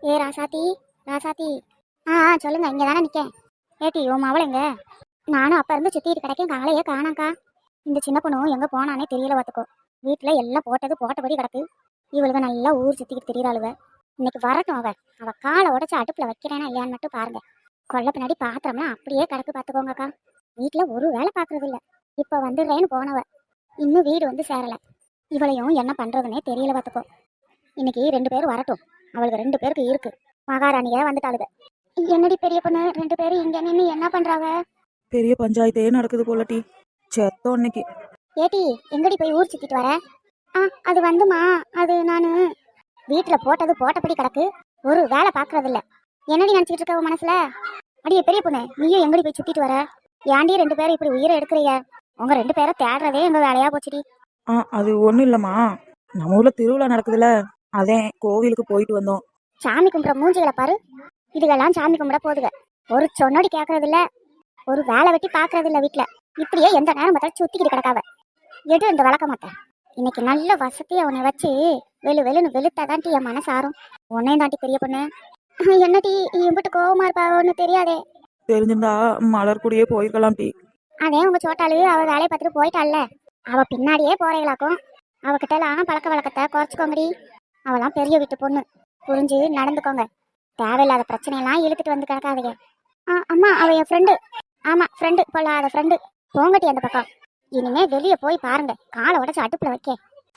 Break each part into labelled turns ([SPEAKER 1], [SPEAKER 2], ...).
[SPEAKER 1] ஏ ராசாத்தி, ராசாத்தி. சொல்லுங்க, இங்கே தானே நிற்கேன். ஏட்டி உன் மவளை எங்க? நானும் அப்போ இருந்து சுற்றிட்டு கிடைக்கேன், காலையே காணாங்க்கா. இந்த சின்ன பொண்ணும் எங்கே போனானே தெரியல பார்த்துக்கோ. வீட்டில் எல்லாம் போட்டது போட்டபடி கிடக்கு. இவளுக்கு நல்லா ஊர் சுற்றிக்கிட்டு திரியிறாளுவ. இன்னைக்கு வரட்டும் அவள் காலை உடச்சி அடுப்பில் வைக்கிறேன்னா இல்லையான்னு மட்டும் பாருங்க. கொல்ல பின்னாடி பாத்திரம்லாம் அப்படியே கிடக்கு பார்த்துக்கோங்கக்கா. வீட்டில் ஒரு வேலை பார்க்கறது இல்லை. இப்போ வந்துடுறேன்னு போனவ இன்னும் வீடு வந்து சேரலை. இவளையும் என்ன பண்ணுறதுனே தெரியல பார்த்துக்கோ. இன்னைக்கு 2 பேரும் வரட்டும். அவளுக்கு 2 பேருக்கு இருக்கு. மகாராணியே வந்துட்டாளுங்க. என்னடி பெரிய பொண்ணு 2 பேரும் இங்க நின்று என்ன பண்றாங்க?
[SPEAKER 2] பெரிய பஞ்சாயத்தே நடக்குது போலட்டி. செத்தோம் இன்னைக்கு.
[SPEAKER 1] ஏட்டி எங்கடி போய் ஊர் சுத்திட்டு வர? அது வந்துமா, அது நான் வீட்டில் போட்டது போட்டபடி கிடக்கு. ஒரு வேலை பார்க்கறது இல்லை. என்னடி நினச்சிக்கிட்டு இருக்க உன் மனசுல? அடியே பெரிய பொண்ணு, நீயும் எங்கடி போய் சுத்திட்டு வர? ஏன்டி 2 பேரும் இப்படி உயிரை எடுக்கிறீங்க? உங்க 2 பேரை தேடுறதே எங்க வேலையா போச்சுடி.
[SPEAKER 2] அது ஒன்றும் இல்லைம்மா, நம்ம ஊரில் திருவிழா நடக்குதுல்ல, அதே கோவிலுக்கு போயிட்டு வந்தோம்.
[SPEAKER 1] சாமி கும்பிட்ற மூஞ்சிகளை பாரு. இதுக்கெல்லாம் சாமி கும்பிட போதுங்க. ஒரு சொன்னோடி கேட்கறது இல்ல, ஒரு வேலை வெட்டி பார்க்கறது இல்லை. வீட்டில் இப்படியே எந்த நேரம் பார்த்தாலும் சுத்திக்கிட்டு கிடக்காவ. எடு இந்த வளர்க்க மாட்டேன். இன்னைக்கு நல்ல வசதியை உன்னை வச்சு வெளுன்னு வெளுத்தாதான்ட்டி என் மனசு ஆறும். உன்னையும் தாண்டி பெரிய பொண்ணு. என்னடி இம்பிட்டு கோவமா இருப்பா? ஒன்று தெரியாதே.
[SPEAKER 2] தெரிஞ்சிருந்தா மலர் கூடயே போயிருக்கலாம் டி.
[SPEAKER 1] அதே உங்க சோட்டாளு அவ வேலையை பார்த்துட்டு போயிட்டாள்ல, அவ பின்னாடியே போறீங்களாக்கும். அவகிட்டலாம் பழக்க வழக்கத்தை குறைச்சிக்கோங்கடி. அவளாம் பெரிய வீட்டு பொண்ணு, புரிஞ்சு நடந்துக்கோங்க. தேவையில்லாத பிரச்சனையெல்லாம் இழுத்துட்டு வந்து கிடக்காதீங்க. அம்மா அவ என் ஃப்ரெண்டு. ஆமா ஃப்ரெண்டு, பொல்லாத ஃப்ரெண்டு. போங்கட்டி அந்த பக்கம். இனிமே வெளியே போய் பாருங்க, காலை உடச்சு அடுப்புல வைக்க.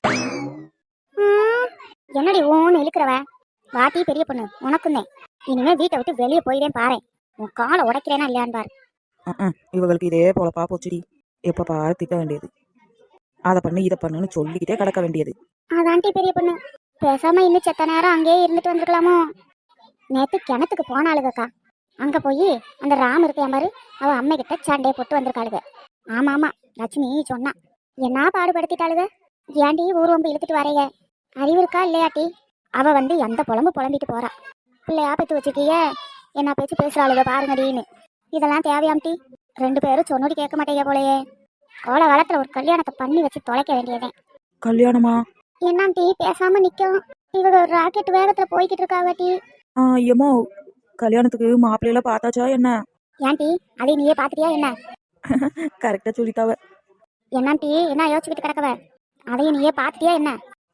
[SPEAKER 1] என்னடி ஓன்னு இழுக்கிறவ? வாட்டி பெரிய பொண்ணு, உனக்குன்னே. இனிமே வீட்டை விட்டு வெளியே போயிடேன் பாரு. உன் காலை உடைக்கிறேனா இல்லையான்னு பாரு.
[SPEAKER 2] இவங்களுக்கு இதே போலப்பா போச்சுடி. எப்ப பாரு திட்ட வேண்டியது, அதை பண்ணு இதை பண்ணுன்னு சொல்லிக்கிட்டே கிடக்க வேண்டியது.
[SPEAKER 1] அதான்ட்டி பெரிய பொண்ணு, பேசாம இன்னும் செத்த நேரம் அங்கேயே இருந்துட்டு வந்துருக்கலாமோ. நேத்து கிணத்துக்கு போனாளுகக்கா. அங்க போய் அந்த ராம் இருக்கையா பாரு, அவ அம்மை கிட்ட சண்டையை போட்டு வந்திருக்காளுக. ஆமா லட்சுமி சொன்னா. என்ன பாடுபடுத்திட்டாளுக. ஏண்டி ஊர்வம்பு இழுத்துட்டு வரைய அறிவு இருக்கா இல்லையாட்டி? அவ வந்து எந்த புலம்பிட்டு போறா. பிள்ளையா பெற்று வச்சுக்கிய என்ன பேச்சு பேசுறாளுக பாருங்கடின்னு. இதெல்லாம் தேவையாம்டி? 2 பேரும் சொன்னோடி கேட்க மாட்டேங்க போலயே. கோல காலத்துல ஒரு கல்யாணத்தை பண்ணி வச்சு தொலைக்க வேண்டியதே.
[SPEAKER 2] கல்யாணமா?
[SPEAKER 1] என்னாம்டி பேசாம நிக்கும்? இவங்க ஒரு ராக்கெட் வேகத்துல போய்கிட்டு இருக்காவட்டி.
[SPEAKER 2] ஏமோ கல்யாணத்துக்கு மாப்பிள்ளையெல்லாம் பார்த்தாச்சா என்ன?
[SPEAKER 1] ஏன்டி அதை நீயே பாத்துட்டியா என்ன?
[SPEAKER 2] கரெக்டா சொல்லிட்டாவ.
[SPEAKER 1] என்னாம்டி என்ன யோசிச்சுக்கிட்டு கிடக்கவ? அதையும் நீயே பாத்துட்டியா என்ன?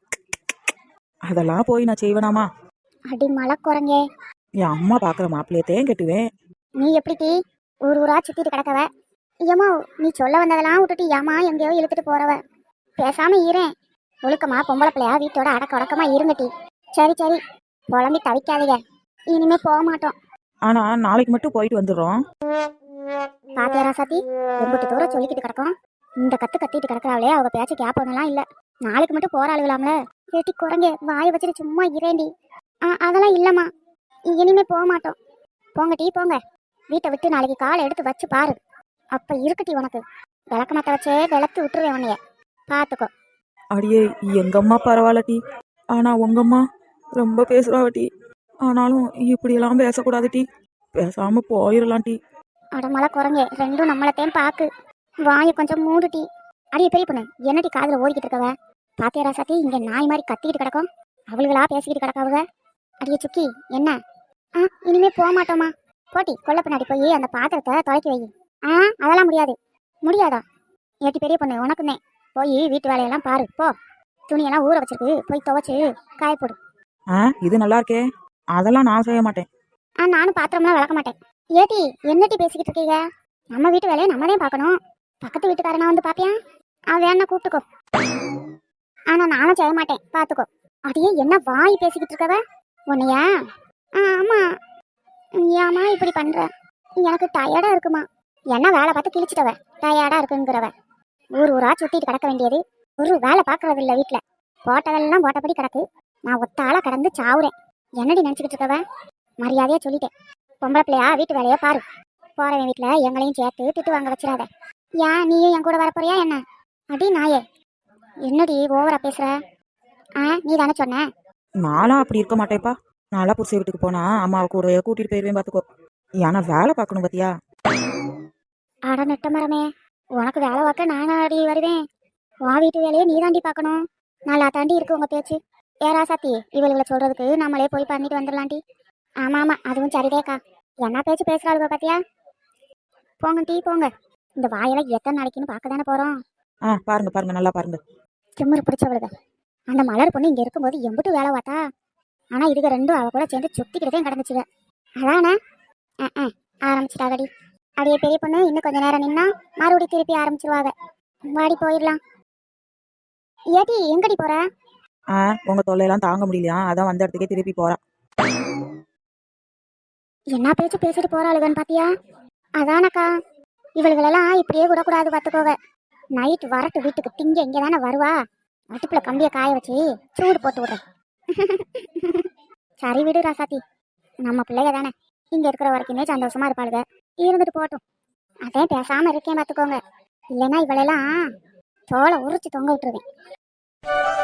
[SPEAKER 2] அதெல்லாம் போய் நான் செய்வேனாமா?
[SPEAKER 1] அடி மலை குரங்கே,
[SPEAKER 2] என் அம்மா பாக்குற மாப்பிள்ளையத்தையும் கட்டுவேன்.
[SPEAKER 1] நீ எப்படி ஊரா சுத்திட்டு கிடக்கவ? ஏமா நீ சொல்ல வந்ததெல்லாம் விட்டுட்டு ஏமா எங்கேயோ இழுத்துட்டு போறவ. பேசாம இருறேன். ஒழுக்கமா பொம்பளை பிள்ளையா வீட்டோட அடக்க உடக்கமா இருங்கட்டி. சரி புலம்பி தவிக்காதீங்க. இனிமே போக மாட்டோம்.
[SPEAKER 2] ஆனா நாளைக்கு மட்டும் போயிட்டு வந்துடுறோம்.
[SPEAKER 1] பாத்தியா ராசாத்தி, எம்பிட்டு தூரம் சொல்லிக்கிட்டு கிடக்கும். இந்த கத்திட்டு கிடக்குறாங்களே, அவங்க பேச்சு கேட்பவங்கலாம் இல்ல. நாளைக்கு மட்டும் போறாளுகளாம்ல. கேட்டி குரங்கே, வாயை வச்சுட்டு சும்மா இரேண்டி. அதெல்லாம் இல்லம்மா, இனிமே போக மாட்டோம். போங்கட்டி போங்க. வீட்டை விட்டு நாளைக்கு காலை எடுத்து வச்சு பாரு. அப்ப இருக்கட்டி உனக்கு. விளக்க மாத்த வச்சே விளக்கு விட்டுருவேன் உன்னைய, பாத்துக்கோ.
[SPEAKER 2] அடியே எங்க அம்மா பரவாயில்லட்டி, ஆனா உங்க அம்மா ரொம்ப பேசுறாவட்டி. ஆனாலும் இப்படியெல்லாம் பேசக்கூடாது டி. பேசாம போயிடலாம் டி.
[SPEAKER 1] அடமலை குரங்கே, ரெண்டும் நம்மளத்தையும் பாக்கு. வாயை கொஞ்சம் மூடுட்டி. அடியே பெரிய பொண்ணு, என்னடி காதுல ஓடிக்கிட்டு இருக்கவ? பாத்தியா ராசாத்தி, இங்க நாய் மாதிரி கத்திக்கிட்டு கிடக்கும். அவளுகளா பேசிக்கிட்டு கிடக்காவுக. அடியே சுக்கி என்ன? இனிமே போக மாட்டோமா? போட்டி கொல்ல பின்னாடி போய் அந்த பாத்திரத்தை தொலைக்கி வை. அதெல்லாம் முடியாது. முடியாதா? ஏட்டி பெரிய பொண்ணு, உனக்குன்னே. போய் வீட்டு வேலையெல்லாம் பாரு போ. துணியெல்லாம் ஊற வச்சிருக்கு, போய் துவைச்சு காயப்போடு.
[SPEAKER 2] இது நல்லா இருக்கே. அதெல்லாம் நான் செய்ய மாட்டேன்.
[SPEAKER 1] நானும் பாத்திரம்லாம் விளக்க மாட்டேன். ஏட்டி என்னட்டி பேசிக்கிட்டு இருக்கீங்க? நம்ம வீட்டு வேலையை நம்மதான் பார்க்கணும். பக்கத்து வீட்டுக்காரனா வந்து பாப்பியா? அவன் வேணா கூப்பிட்டுக்கோ. ஆனா நானும் செய்ய மாட்டேன், பாத்துக்கோ. அதையே என்ன வாய் பேசிக்கிட்டு இருக்கவ உன்னையா? ஆமா. ஏமா இப்படி பண்ற? எனக்கு டயர்டா இருக்குமா. என்ன வேலை பார்த்து கிழிச்சிட்டவ டயர்டா இருக்குங்கிறவ. ஊரா சுத்திட்டு கிடக்க வேண்டியது. ஒரு வேலை பார்க்கறது இல்ல. வீட்டுல போட்டதெல்லாம் போட்டபடி கிடக்கு. நான் ஒத்தாளா கிடந்து சாவுறேன். என்னடி நினைச்சுக்கிட்டு இருக்கவ? மரியாதையா சொல்லிட்டேன். பொம்பளை பிள்ளையா வீட்டு வேலையை பாரு. போறவன் வீட்டுல எங்களையும் சேர்த்து திட்டு வாங்க வச்சிடாத. ஏன் நீயும் என் கூட வரப்போறியா என்ன? அடி நாயே, என்னடி ஓவரா பேசுற? நீ தானே சொன்ன.
[SPEAKER 2] நானும் அப்படி இருக்க மாட்டேப்பா. நாளா புருஷ வீட்டுக்கு போனா அம்மாவை கூட கூட்டிட்டு போயிருவேன் பாத்துக்கோ. ஏன்னா வேலை பார்க்கணும் பாத்தியா?
[SPEAKER 1] அட நெட்ட மரமே, உனக்கு வேலை பார்க்க நானும் அடி வருவேன். உன் வீட்டு வேலையை நீ தாண்டி பார்க்கணும். நல்லா தாண்டி இருக்கு உங்க பேச்சு. ஏரா சத்தி, இவளுகளை சொல்றதுக்கு நம்மளே போய் பண்ணிட்டு வந்துடலாண்டி. ஆமா ஆமா அதுவும் சரிதேக்கா. என்ன பேச்சு பேசுறாளுக பாத்தியா? போங்க டீ போங்க. இந்த வாயெல்லாம் எத்தனை நாளைக்குன்னு பார்க்க தானே போறோம்.
[SPEAKER 2] பாருங்க பாருங்க, நல்லா பாருங்க.
[SPEAKER 1] திமிரு பிடிச்சவளுக. அந்த மலர் பொண்ணு இங்க இருக்கும்போது எம்பிட்டு வேலை பார்த்தா. ஆனா இதுக ரெண்டும் அவ கூட சேர்ந்து சுத்திக்கிட்டே கிடந்துச்சுங்க. அதானே ஆரம்பிச்சிட்டாகடி. அடியே பெரிய பொண்ணு, இன்னும் கொஞ்ச நேரம் நின்னா மறுபடியும் திருப்பி ஆரம்பிச்சிருவாங்க. வாடி போயிடலாம். ஏடி எங்கடி போற?
[SPEAKER 2] உங்க தொல்லையெல்லாம் தாங்க முடியலையா, அதான் வந்த இடத்துக்கே திருப்பி போறா.
[SPEAKER 1] என்ன பேச்சு பேசிட்டு போறாளுகன்னு பாத்தியா? அதானக்கா, இவளுகளெல்லாம் இப்படியே விடக்கூடாது பார்த்துக்கோங்க. நைட் வரட்டு வீட்டுக்கு திங்க இங்கே தானே வருவா. அடுப்புல கம்பியை காய வச்சு சூடு போட்டு விடுறேன். சரி விடு ராசாத்தி, நம்ம பிள்ளைக தானே, இங்க இருக்கிற வரைக்குமே சந்தோஷமா இருப்பாளுக. இருந்துட்டு போட்டும். அதே பேசாம இருக்கேன் பார்த்துக்கோங்க. இல்லைன்னா இவளெல்லாம் தோலை உரிச்சு தொங்க விட்டுருவேன்.